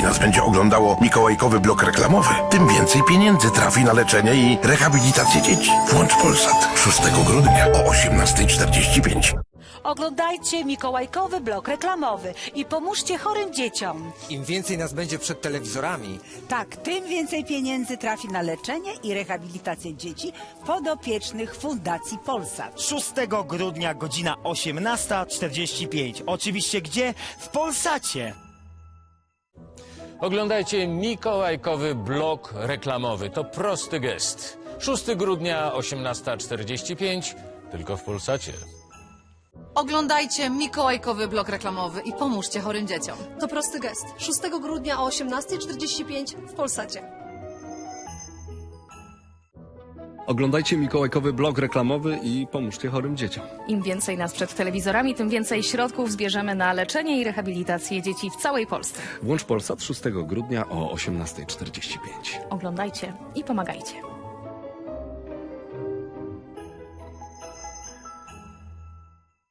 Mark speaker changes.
Speaker 1: więcej nas będzie oglądało mikołajkowy blok reklamowy, tym więcej pieniędzy trafi na leczenie i rehabilitację dzieci. Włącz Polsat 6 grudnia o 18:45.
Speaker 2: Oglądajcie mikołajkowy blok reklamowy i pomóżcie chorym dzieciom.
Speaker 3: Im więcej nas będzie przed telewizorami,
Speaker 4: Tak, tym więcej pieniędzy trafi na leczenie i rehabilitację dzieci podopiecznych Fundacji Polsat.
Speaker 5: 6 grudnia, godzina 18:45. Oczywiście gdzie? W Polsacie.
Speaker 6: Oglądajcie mikołajkowy blok reklamowy. To prosty gest. 6 grudnia, 18:45, tylko w Polsacie.
Speaker 7: Oglądajcie mikołajkowy blok reklamowy i pomóżcie chorym dzieciom.
Speaker 8: To prosty gest. 6 grudnia o 18:45 w Polsacie.
Speaker 9: Oglądajcie mikołajkowy blok reklamowy i pomóżcie chorym dzieciom.
Speaker 10: Im więcej nas przed telewizorami, tym więcej środków zbierzemy na leczenie i rehabilitację dzieci w całej Polsce.
Speaker 9: Włącz Polsat 6 grudnia o 18:45.
Speaker 10: Oglądajcie i pomagajcie.